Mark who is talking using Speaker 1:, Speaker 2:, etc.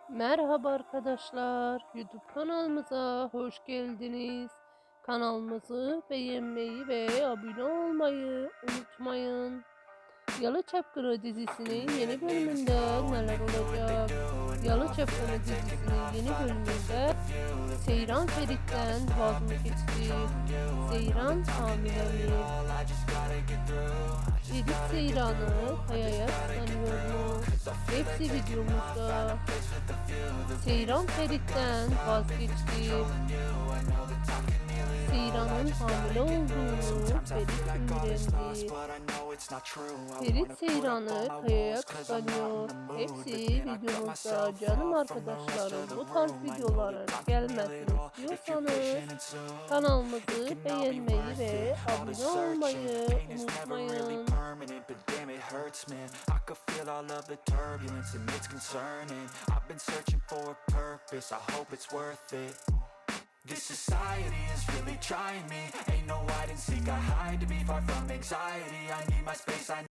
Speaker 1: Merhaba arkadaşlar, YouTube kanalımıza hoş geldiniz. Kanalımızı beğenmeyi ve abone olmayı unutmayın. Yalı Çapkını dizisinin yeni bölümünde neler olacak? Yalı Çapkını dizisinin yeni bölümünde Seyran Ferit'ten vaz mı geçti? Seyran hamile mi? Ferit Seyran'ı Kaya'ya kıskanıyor mu? Hepsi videomuzda. Seyran Ferit'ten vazgeçti. Seyran'ın hamile olduğunu Ferit öğrendi. Ferit Seyran'ı Kaya'ya kıskanıyor. Hepsi videomuzda. Canım arkadaşlarım, bu tarz videoların gelmesini istiyorsanız kanalımızı beğenmeyi ve abone olmayı unutmayın.
Speaker 2: I could feel all of the turbulence and it's concerning. I've been searching for a purpose, I hope it's worth it. This society is really trying me. Ain't no hide and seek, I hide to be far from anxiety. I need my space,